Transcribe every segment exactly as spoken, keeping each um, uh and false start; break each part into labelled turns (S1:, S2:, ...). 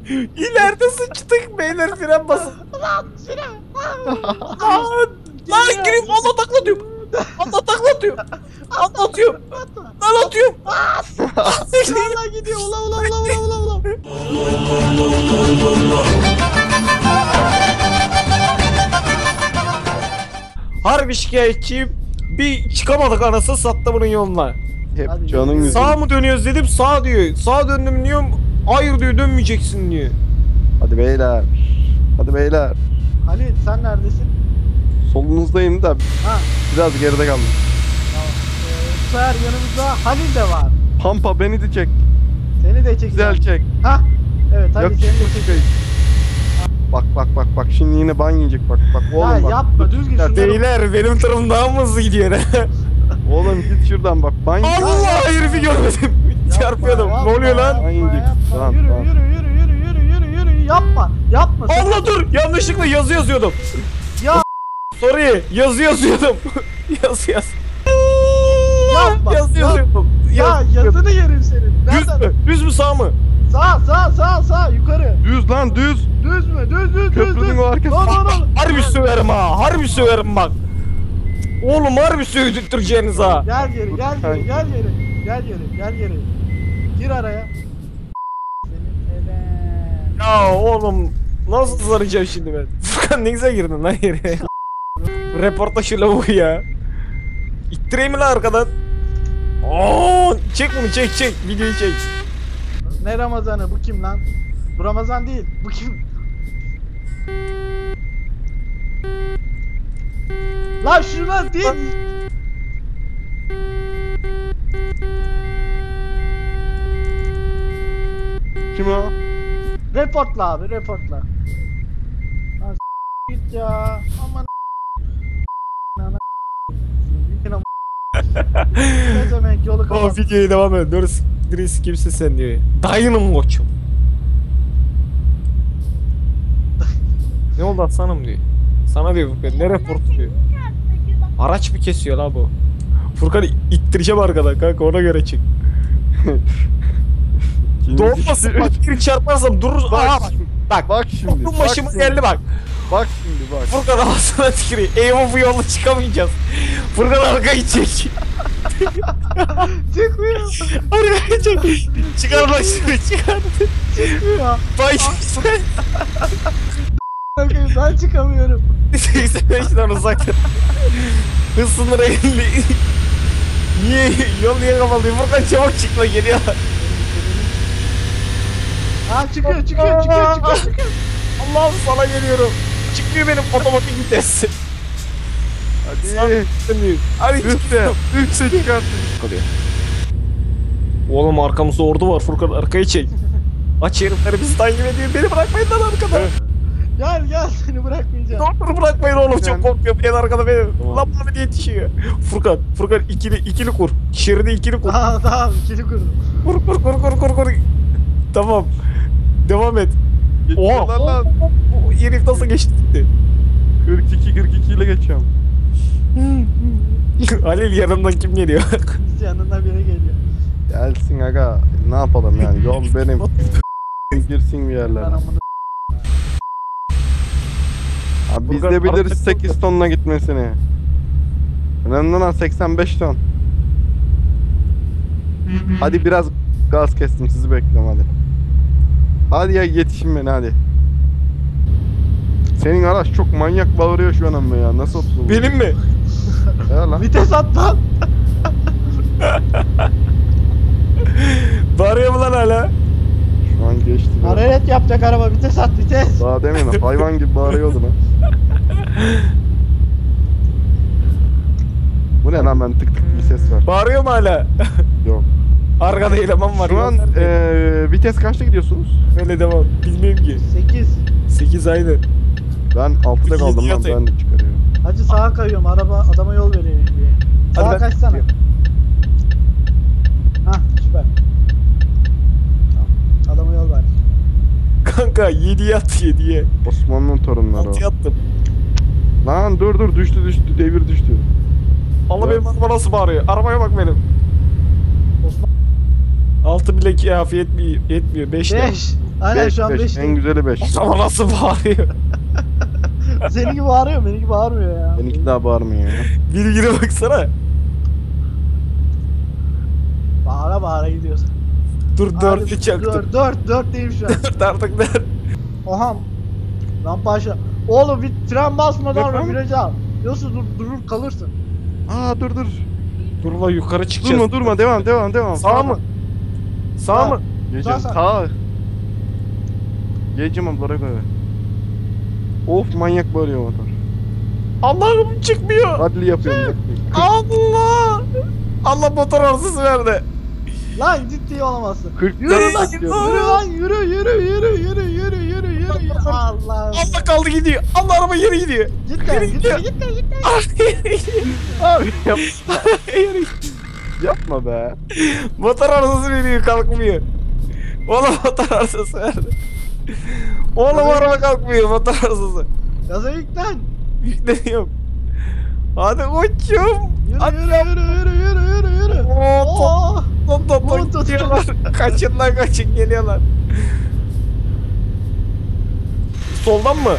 S1: İleride sıçtık beyler, fren basın.
S2: Lan fren.
S1: Lan. Lan gireyim, Allah taklatıyor. Allah taklatıyor. Atlatıyorum. Lan atıyorum.
S2: Valla gidiyor. Ula ula ula ula ula ula.
S1: Harbi şikayetçiyim. Bir çıkamadık anasını sattı bunun yoluna.
S3: Hep
S2: Hadi
S3: canın
S2: yürü.
S3: yüzü.
S1: Sağa mı dönüyoruz dedim, sağ diyor. Sağa döndüm diyorum. Hayır diyor, dönmeyeceksin diyor.
S3: Hadi beyler. Hadi beyler.
S2: Halil sen neredesin?
S3: Solunuzdayım da
S2: Ha.
S3: biraz geride kaldım.
S2: Tamam. Ee, bu sefer yanımızda Halil de var.
S3: Pampa beni de çek.
S2: Seni de çekeceğim.
S3: Güzel çek.
S2: Ha. Evet Halil
S3: Yok,
S2: seni de
S3: yok,
S2: çekeceğim.
S3: Bak bak bak bak şimdi yine ban yiyecek bak bak
S2: Ya
S3: oğlum bak.
S2: yapma düz git şunları.
S1: Beyler benim tarafım daha mı hızlı gidiyor?
S3: Oğlum git şuradan bak ban yiyecek.
S1: Allah, herifi görmedim.
S2: Yapma,
S1: Çarpıyordum.
S2: yapma,
S1: Ne oluyor lan?
S2: yapma,
S3: Hangi?
S2: yapma.
S3: Tamam,
S2: Yürü,
S3: tamam.
S2: yürü yürü yürü yürü yürü yürü yapma yapma. sakın.
S1: Allah dur, yanlışlıkla yazı yazıyordum.
S2: Ya
S1: Sorry, yazı yazıyordum. Yaz yaz.
S2: Yapma,
S1: Yazı
S2: yap-
S1: yazıyordum.
S2: ya
S1: Yaz-
S2: yazını yerim senin.
S1: Düz
S2: Nereden?
S1: mü? Düz mü sağ mı?
S2: Sağ sağ sağ sağ yukarı.
S3: Düz lan düz.
S2: Düz mü? Düz düz düz düz.
S3: Köprünün o arkası.
S2: Lan lan lan.
S1: Harbi söverim ha. Harbi söverim bak. Oğlum harbi sövdürteceğiniz ha.
S2: Gel geri gel geri gel geri. Gel geri gel geri. Gir araya. Senin elen.
S1: Ya oğlum nasıl saracağım şimdi ben? Furkan ne güzel girdin lan yere. Reporta şu lavuğu ya. İttireyim mi lan arkadan? Oo, çek bunu, çek çek. Videoyu çek.
S2: Ne Ramazan'ı bu kim lan? Bu Ramazan değil. Bu kim? Lan şuna değil.
S3: Kim o?
S2: Reportla abi reportla. Lan s- git ya. Aman ana. Ne demek yolu
S1: O
S2: kapat.
S1: videoyu devam et. Dur, Dris kimsin sen diyor. Dayının koçum. Ne oldu aslanım diyor. Sana diyor Furkan, ne raportu diyor. Araç mı kesiyor la bu? Furkan ittireceğim arkadan kanka, ona göre çık.
S3: Şimdi-
S1: Doğmasın bak, bir çarparsam dururuz.
S3: Bak,
S1: Aa bak. Bak.
S3: Bak şimdi.
S1: Aklım
S3: bak
S1: başıma
S3: şimdi,
S1: geldi bak.
S3: Bak şimdi bak.
S1: Furkan ağzına tükürüyor. Eyvah, bu yolda çıkamayacağız. Furkan arkayı çek.
S2: Çıkmıyor.
S1: Arkayı çek. Çıkar lan şunu, çıkar.
S2: Çıkmıyor.
S1: Bay
S2: Bakayım ben çıkamıyorum.
S1: seksen beşten uzak. Hız sınırı elli. Niye? Yol niye kapalıyor? Furkan çabuk çık lan, geliyor.
S2: Ha çıkıyor çıkıyor çıkıyor çıkıyor çıkıyor.
S1: Allah'ım sana geliyorum. Çıkmıyor benim otomatik vites.
S3: Hadi.
S1: Hadi
S3: Üstte. Üstte çıkarttın.
S1: Oğlum arkamızda ordu var Furkan, arkayı çek. Aç, herifleri bizi takip ediyor. Beni bırakmayın lan arkada.
S2: Gel gel seni bırakmayacağım.
S1: Dur bırakmayın oğlum, çok
S3: Yani-
S1: korkuyorum. En arkada benim.
S3: Tamam.
S1: Lan Muhammed yetişiyor. Furkan, Furkan ikili ikili kur. Şeridi ikili kur.
S2: Tamam tamam ikili kurdum.
S1: Kur kur kur kur kur kur. Tamam. Devam et. Oha.
S3: Geçiyorlar lan.
S1: O herif nasıl geçti gitti?
S3: kırk iki kırk iki ile geçiyorum.
S1: Halil yanından kim geliyor?
S2: Yanına biri geliyor.
S3: Gelsin aga. Ne yapalım yani yol benim. Girsin bir yerlere.
S2: Ben amını
S3: Abi biz
S1: Furkan,
S3: de biliriz
S1: arada-
S3: sekiz tonla gitmesini. Önemli olan seksen beş ton. Hadi biraz gaz kestim, sizi bekliyorum hadi. Hadi ya yetişin beni hadi. Senin araç çok manyak bağırıyor şu an ama ya, nasıl oturdu?
S1: Benim mi?
S3: Ya lan.
S2: vites at lan.
S1: Bağırıyor mu lan hala?
S3: Şu an geçti. ya.
S2: Hararet yapacak araba vites at vites.
S3: Daha demin hayvan gibi bağırıyordu lan. Bu ne lan, ben tık tık bir ses var.
S1: Bağırıyor mu hala?
S3: Yok.
S1: Arkada eleman var.
S3: Şu an eee vites kaçta gidiyorsunuz?
S1: Öyle devam. Bilmiyorum ki.
S2: sekiz.
S1: sekiz aynı.
S3: Ben altıda kaldım lan,
S1: Yedi
S3: ben de çıkarıyorum.
S2: Hacı sağa kayıyorum araba adama yol veriyor diye.
S1: Hadi
S2: Sağa
S1: ben-
S2: kaçsana. Hah süper. Tamam. Adama yol ver.
S1: Kanka yediye at, yediye.
S3: Osmanlı'nın torunları o.
S1: altıya attım.
S3: Lan dur dur, düştü düştü, devir düştü.
S1: Allah benim araba nasıl bağırıyor? Arabaya bak benim.
S2: Osman
S1: altı bile kafi yetmiyor. Yetmiyor. beş de.
S2: beş. Aynen
S3: beş
S2: şu an
S3: beş.
S2: beş.
S3: En güzeli beş.
S1: Ama nasıl bağırıyor?
S2: Seninki bağırıyor, benimki bağırmıyor ya.
S3: Benimki daha bağırmıyor ya.
S1: Bilgine baksana.
S2: Bağıra bağıra gidiyorsun.
S1: Dur dördü çaktım.
S2: Dört, dört, dörtteyim şu an.
S1: Dört artık dört.
S2: Oha. Rampa aşağı. Oğlum bir fren basmadan
S3: Efendim?
S2: virajı al. Yoksa dur, durur kalırsın.
S3: Aa dur dur.
S1: Dur la yukarı çıkacağız.
S3: Durma durma devam devam devam.
S1: Sağ mı? Sağ
S2: Sağ.
S1: mı?
S3: Geçeceğim.
S2: Sağ, sağ.
S3: Sağ. Geçeceğim ablara göre. Of manyak bağırıyor motor.
S1: Allah'ım çıkmıyor.
S3: Adli yapıyorum.
S1: Allah. Allah motor arızası verdi.
S2: Lan ciddi olamazsın.
S3: kırk
S2: Yürü lan,
S3: bekliyorum.
S2: yürü lan, yürü, yürü, yürü, yürü, yürü, yürü, yürü. Allah.
S1: Allah kaldı gidiyor. Allah araba yere gidiyor.
S2: Cidden,
S1: Yürü
S2: cidden,
S1: gidiyor.
S2: cidden, cidden.
S1: Ah, yere gidiyor.
S3: Abi yap,
S1: Yere gidiyor.
S3: yapma be.
S1: Motor arızası veriyor kalkmıyor. Oğlum motor arızası verdi. Oğlum araba kalkmıyor motor arızası.
S2: Gaza yüklen.
S1: Yükleniyorum. Hadi koçum.
S2: Yürü,
S1: Hadi
S2: yürü, yürü, yürü, yürü, yürü, yürü.
S1: Oo, top,
S2: Oo.
S1: top, top,
S2: Oo,
S1: top
S2: tut.
S1: gidiyorlar. Kaçın lan kaçın geliyorlar. Soldan mı?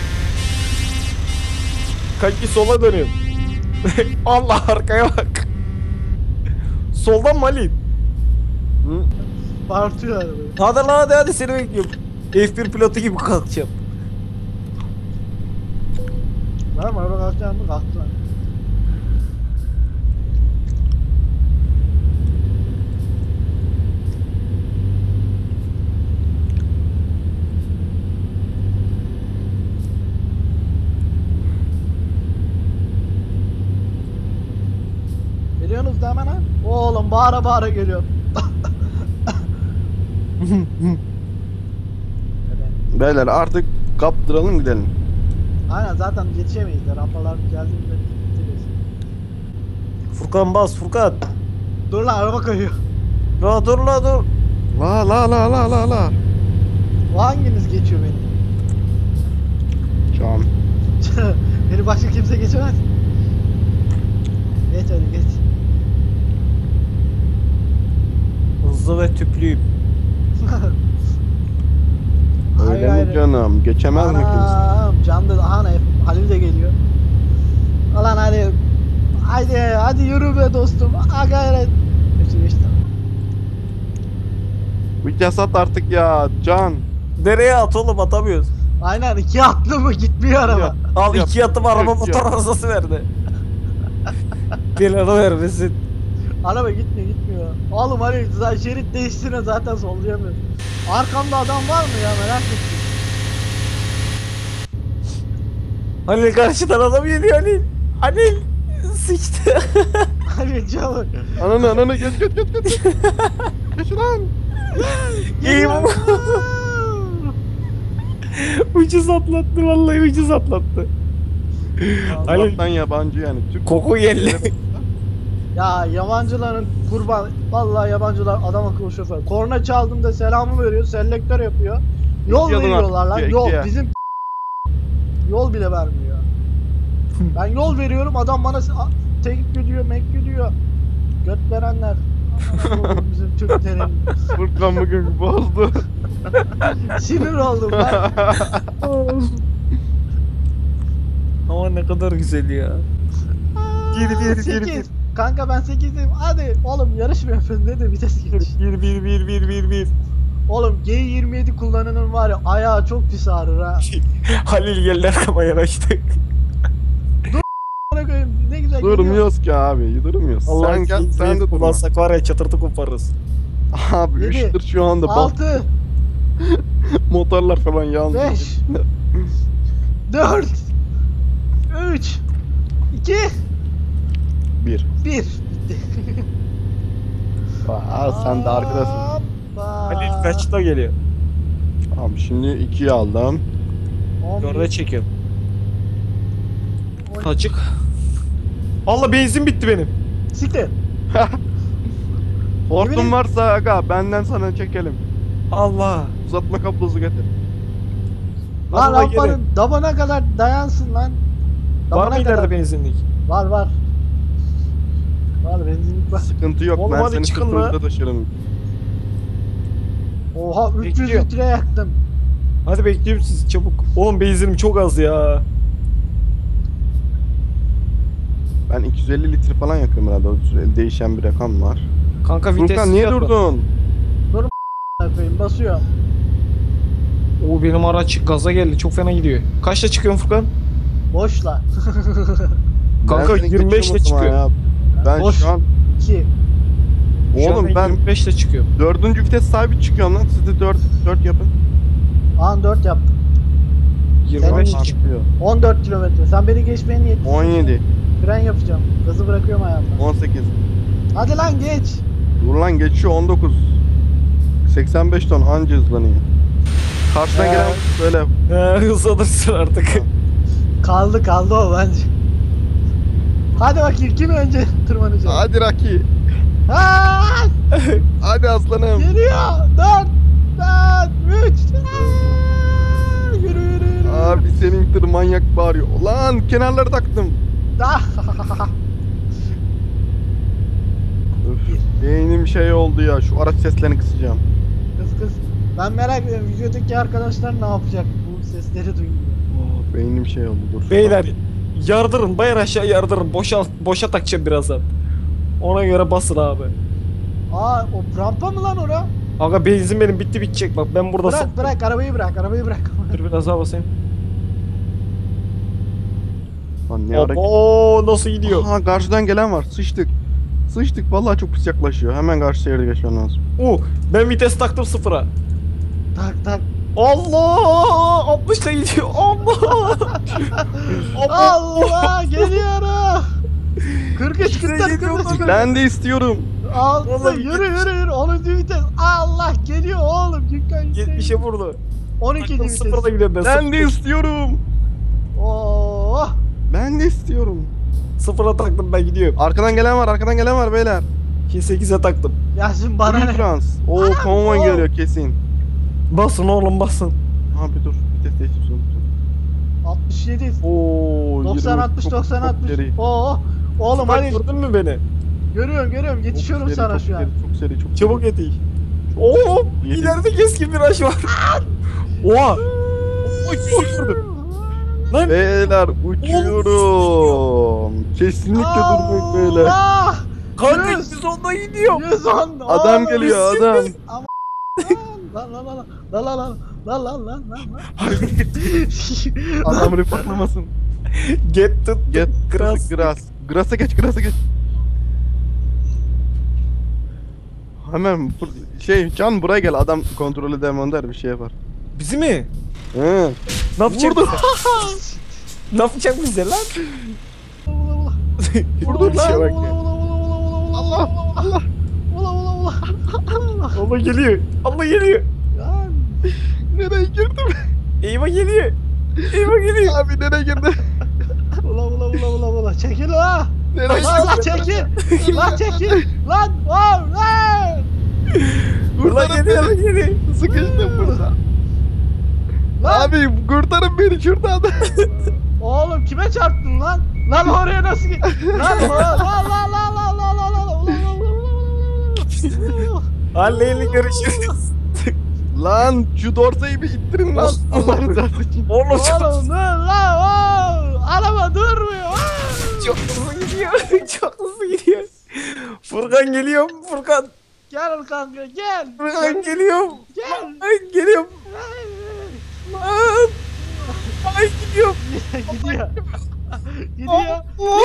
S1: Kanki sola dönüyorum. Allah arkaya bak. Soldan mı Ali?
S3: Hı?
S2: Bağırtıyor arabayı.
S1: Hadi lan hadi hadi seni bekliyorum. F bir pilotu gibi kalkacağım.
S2: Lan araba kalkacak mı? Kalktı lan. Geliyorsunuz da hemen ha? Oğlum bağıra bağıra geliyor. Evet.
S3: Beyler artık kaptıralım gidelim.
S2: Aynen zaten yetişemeyiz de rampalar geldiğinde bitiririz.
S1: Furkan bas Furkan.
S2: Dur lan araba kayıyor.
S1: La dur la dur.
S3: La la la la la la.
S2: O hanginiz geçiyor beni?
S3: Can.
S2: Beni başka kimse geçemez. Geç hadi geç.
S1: Hızlı ve tüplüyüm.
S3: Öyle
S2: Hayır,
S3: mi
S2: hayır.
S3: canım? Geçemez mi kimse?
S2: Anam Can da aha ne Halil de geliyor. Ulan hadi. Hadi hadi yürü be dostum. Ha gayret. Geçti geçti.
S3: Vites at artık ya Can.
S1: Nereye at oğlum atamıyoruz.
S2: Aynen iki atlı mı gitmiyor araba.
S3: Ya.
S1: Al
S3: Yap,
S1: iki atım araba
S3: yap,
S1: motor
S3: yap.
S1: arızası verdi. Belanı vermesin.
S2: Araba gitmiyor gitmiyor. Oğlum Halil zaten şerit değiştiğine zaten sollayamıyor. Arkamda adam var mı ya merak ettim.
S1: Halil karşıdan adam geliyor Halil. Halil sıçtı.
S2: Halil çabuk.
S3: Ananı ananı geç geç geç geç. Geç lan.
S1: İyi bu. Ucuz atlattı vallahi ucuz atlattı. Halil
S3: Allah'tan yabancı yani. Türk
S1: koku geldi.
S2: Ya yabancıların kurban. Vallahi yabancılar adam akıllı şoför. Korna çaldığımda selamı veriyor, selektör yapıyor. Yol
S3: İki adım
S2: veriyorlar
S3: at,
S2: lan.
S3: iki,
S2: Yol
S3: ikiye.
S2: bizim yol bile vermiyor. Ben yol veriyorum adam bana se- a- tek gidiyor, mek gidiyor. Göt verenler. Aman Allah'ım, bizim Türklerin.
S3: Furkan bugün bozdu.
S2: Sinir oldum ben.
S1: Ama ne kadar güzel ya. Gir, gir, gir,
S2: sekiz.
S1: gir.
S2: Kanka ben sekizim. Hadi oğlum yarış mı yapıyorsun? Ne de vites geç.
S1: Bir bir bir bir bir bir.
S2: Oğlum G yirmi yedi kullananın var ya ayağı çok pis ağrır ha.
S1: Halil geldi arkama yanaştık.
S2: Bana koyayım, ne güzel geliyor.
S3: Durmuyoruz ki abi. Durmuyoruz.
S1: Allah
S3: Sen gel sen de durma.
S1: kullansak var ya çatırtı koparırız.
S3: Abi
S2: Yedi.
S3: üçtür şu anda. Bak
S2: altı,
S3: motorlar falan yandı.
S2: beş, dört, üç, iki,
S3: Bir.
S2: bir.
S3: Aa, sen de arkadasın.
S2: Hoppa.
S1: Halil kaçta geliyor?
S3: Tamam şimdi ikiyi aldım.
S2: on bir,
S1: Orada çekiyorum.
S2: on-
S1: Açık. Allah benzin bitti benim.
S2: Siktir.
S3: Hortum
S2: Yemin-
S3: varsa aga benden sana çekelim.
S1: Allah.
S3: Uzatma kablosu getir.
S2: Lan
S1: Allah geri.
S2: lampanın dabana kadar dayansın lan.
S1: Var
S2: Dabana
S1: mı
S2: kadar.
S1: ileride benzinlik?
S2: Var var. Var benzinlik var.
S3: Sıkıntı yok.
S1: Oğlum
S3: ben
S1: hadi
S3: seni
S1: çıkın
S3: sırtımda
S1: lan.
S3: taşırım.
S2: Oha üç yüz
S1: Bekliyor.
S2: litre yaktım.
S1: Hadi bekliyorum sizi çabuk. Oğlum benzinim çok az ya.
S3: Ben iki yüz elli litre falan yakıyorum herhalde. O süreli değişen bir rakam var.
S1: Kanka vites
S3: Furkan niye
S1: yapma.
S3: durdun?
S2: Koyayım basıyorum.
S1: Oo benim araç gaza geldi. Çok fena gidiyor. Kaçta çıkıyorsun Furkan?
S2: Boşla.
S1: Kanka
S3: Ben seni
S1: yirmi beşle
S3: geçiyorum o zaman
S1: çıkıyor.
S3: ya. Ben
S2: Boş.
S3: şu an
S2: iki.
S1: Şu an
S3: oğlum ben
S1: yirmi beşle çıkıyorum.
S3: dördüncü vites sahibi çıkıyorum lan. Siz de dört dört yapın.
S2: An dört yaptım.
S1: yirmi beş
S2: Senin-
S1: çıkıyor.
S2: on dört kilometre. Sen beni geçmeye niyetlisin.
S3: on yedi,
S2: Fren yapacağım. Gazı bırakıyorum ayağımdan.
S3: on sekiz.
S2: Hadi lan geç.
S3: Dur lan geçiyor on dokuz. seksen beş ton anca hızlanıyor. Karşıdan
S1: Ee.
S3: gelen böyle
S1: He hız alırsın artık.
S2: Kaldı kaldı o bence. Hadi bakayım kim önce tırmanacak?
S3: hadi Raki.
S2: Ha!
S3: Hadi aslanım.
S2: Geliyor. dört, dört, üç. Yürü yürü yürü.
S3: Abi senin tır manyak bağırıyor. Lan kenarları taktım.
S2: Ah!
S3: Öf, beynim şey oldu ya. Şu araç seslerini kısacağım.
S2: Kız kız. Ben merak ediyorum videodaki arkadaşlar ne yapacak bu sesleri duyunca.
S3: Oh, beynim şey oldu dur.
S1: Beyler yardırın bayır aşağı yardırın. Boşa, boşa takacağım birazdan. Ona göre basın abi.
S2: Aa o rampa mı lan ora?
S1: Aga benzin benim bitti bitecek bak ben burada
S2: Bırak
S1: sap-
S2: bırak arabayı bırak arabayı bırak.
S1: Dur biraz daha basayım.
S3: Lan ne ara...
S1: Oo nasıl gidiyor?
S3: Aha karşıdan gelen var. Sıçtık. Sıçtık vallahi çok pis yaklaşıyor. Hemen karşı şehirde geçmem lazım.
S1: Oo ben vites taktım sıfıra.
S2: Tak tak.
S1: Allah altmışla gidiyor. Allah.
S2: Allah geliyorum. kırk üç kırk dört kırk beş.
S3: Ben de istiyorum.
S2: Altı
S1: Oğlum,
S2: yürü yürü yürü onuncu vites. Allah geliyor oğlum Gülkan
S1: yetmişe vurdu.
S2: on ikinci
S1: Taktım
S2: vites.
S1: sıfırla gidiyorum ben.
S3: Ben de
S1: sıfır-
S3: istiyorum.
S2: Oo.
S3: Ben de istiyorum.
S1: Sıfıra taktım ben gidiyorum.
S3: Arkadan gelen var, arkadan gelen var beyler.
S1: iki sekize taktım.
S2: Ya şimdi bana
S3: Blue
S2: ne?
S3: Trans. Oo konvoy
S2: oo.
S3: geliyor kesin.
S1: Basın oğlum basın.
S3: Abi dur, vites değiştireceğim.
S2: altmış yedi.
S3: Oo.
S2: doksan
S3: yirmi,
S2: altmış
S3: çok-
S2: doksan
S3: çok
S2: altmış.
S3: seri.
S2: Oo. Oğlum
S1: Bak,
S2: hadi
S1: gördün mü beni?
S2: görüyorum görüyorum yetişiyorum
S3: Çok seri,
S2: sana
S3: çok
S2: şu an.
S3: seri, Çok seri, çok
S1: Çabuk
S3: seri.
S1: yetiş. Oo
S3: Yedi.
S1: ileride keskin viraj var. Oha. Oy çok vurdum. Lan
S3: Beyler uçuyorum. Kesinlikle durmayın beyler.
S2: Allah!
S1: kanka
S2: yüz.
S1: yüz onda gidiyor.
S2: yüz on.
S3: Adam
S2: Oğlum,
S3: geliyor adam.
S2: Lan lan lan lan lan lan lan lan lan lan lan.
S3: Adam reportlamasın.
S1: Get tut
S3: Get
S1: grass.
S3: Gras. Gras'a geç, Gras'a geç. Hemen bur- şey Can buraya gel, adam kontrol edemem der bir şey yapar.
S1: Bizi mi?
S3: Hı.
S1: Ne yapacak
S3: Vurdu.
S1: bize? Ne yapacak bize lan?
S3: Vurdu
S1: Bir şey
S3: lan.
S1: bak ya.
S2: Allah Allah. Ula ula ula.
S1: Allah geliyor. Allah geliyor.
S2: Lan.
S3: Nereye girdim?
S1: Eyvah geliyor. Eyvah geliyor.
S3: Abi nereye girdim?
S2: Ula ula ula ula ula. Çekil la.
S3: Nereye
S2: Lan lan
S3: girdim?
S2: çekil. Lan çekil. Lan wow lan.
S1: Allah geliyor. Allah geliyor.
S3: Sıkıştım burada.
S2: Lan.
S3: Abi kurtarın beni şuradan.
S2: Oğlum kime çarptın lan? Lan oraya nasıl git? Lan lan lan lan lan lan lan lan lan ula ula ula ula.
S1: Halleyle görüşürüz.
S3: Lan şu dorsayı bir ittirin lan. Allah rızası için.
S1: Oğlum çok,
S2: Oğlum dur lan. Oo. Araba durmuyor.
S1: çok hızlı gidiyor. Çok hızlı gidiyor. Furkan geliyor. Furkan.
S2: Gel kanka gel.
S1: Furkan geliyor.
S2: Gel.
S1: Ay geliyorum. Lan. Ay gidiyorum.
S2: Gidiyor. Gidiyor.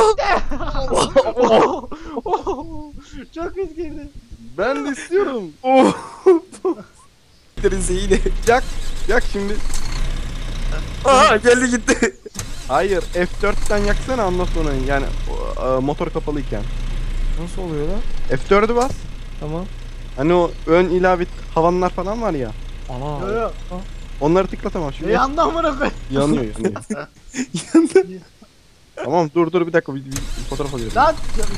S1: Oh.
S2: Çok hız girdi.
S3: Ben de istiyorum.
S1: Oh. Deriz yine.
S3: Yak. Yak şimdi.
S1: Aa geldi gitti.
S3: Hayır F dörtten yaksana ondan sonra yani o, e, motor kapalıyken.
S1: Nasıl oluyor lan?
S3: F dördü bas.
S1: Tamam.
S3: Hani o ön ilave havanlar falan var ya.
S1: Ana.
S2: Yo yo.
S3: Onları tıklatamam şimdi.
S2: E yandan bırak.
S3: Yanıyor yanıyor. Tamam dur dur bir dakika bir, bir, bir fotoğraf alıyorum.
S2: Lan.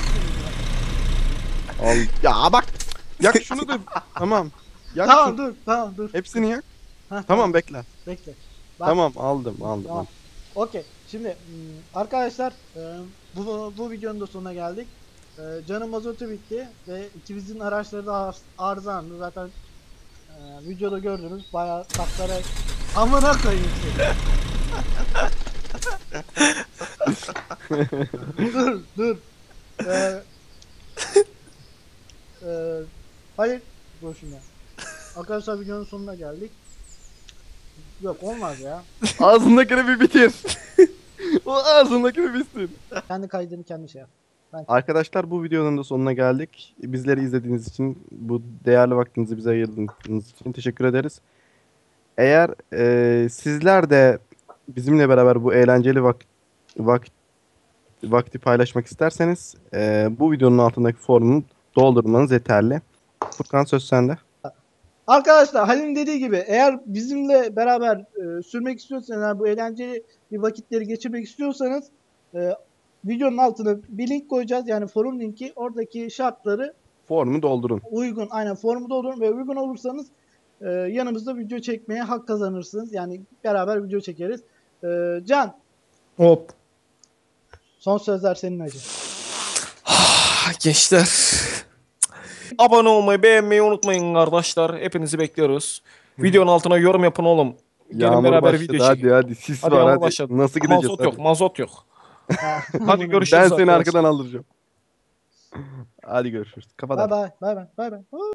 S3: Al. Ya bak. Yak şunu da. Tamam. Yak
S2: Tamam
S3: şunu.
S2: dur tamam dur.
S3: Hepsini yak.
S2: Heh,
S3: Tamam bekle.
S2: Bekle. Bak.
S3: Tamam aldım aldım.
S2: Tamam. Okey. Şimdi hmm, arkadaşlar e, bu bu videonun da sonuna geldik. E, Can'ın mazotu bitti ve ikimizin araçları da ar- arızalandı zaten. E, Ee, videoda gördünüz bayağı taklara amına koyayım seni. dur dur. Ee, e, hayır. Dur şimdi. Arkadaşlar videonun sonuna geldik. Yok olmaz ya.
S3: Ağzındakini bir bitir. O ağzındakini bitsin.
S2: Kendi kaydını kendi şey yap.
S3: Arkadaşlar bu videonun da sonuna geldik. Bizleri izlediğiniz için, bu değerli vaktinizi bize ayırdığınız için teşekkür ederiz. Eğer e, sizler de bizimle beraber bu eğlenceli vak vak vakti paylaşmak isterseniz e, bu videonun altındaki formu doldurmanız yeterli. Furkan söz sende.
S2: Arkadaşlar Halil'in dediği gibi eğer bizimle beraber e, sürmek istiyorsanız yani bu eğlenceli bir vakitleri geçirmek istiyorsanız e, videonun altına bir link koyacağız. Yani forum linki. Oradaki şartları
S3: Formu doldurun.
S2: uygun, aynen formu doldurun ve uygun olursanız e, yanımızda video çekmeye hak kazanırsınız. Yani beraber video çekeriz. E, Can,
S1: Hop.
S2: son sözler senin hacı.
S1: Gençler. Abone olmayı, beğenmeyi unutmayın kardeşler. Hepinizi bekliyoruz. Videonun altına yorum yapın oğlum. Gelin
S3: Yağmur
S1: beraber
S3: başladı,
S1: video
S3: hadi
S1: çekelim.
S3: hadi sis
S1: Hadi
S3: var
S1: yağmur
S3: hadi.
S1: başladı.
S3: Nasıl gideceğiz?
S1: Mazot
S3: hadi.
S1: yok, mazot yok.
S2: Ha.
S1: Hadi görüşürüz
S3: Ben seni
S1: arkadaşlar.
S3: arkadan aldıracağım. Hadi görüşürüz. Kapat.
S2: Bay bay bay bay bay bay.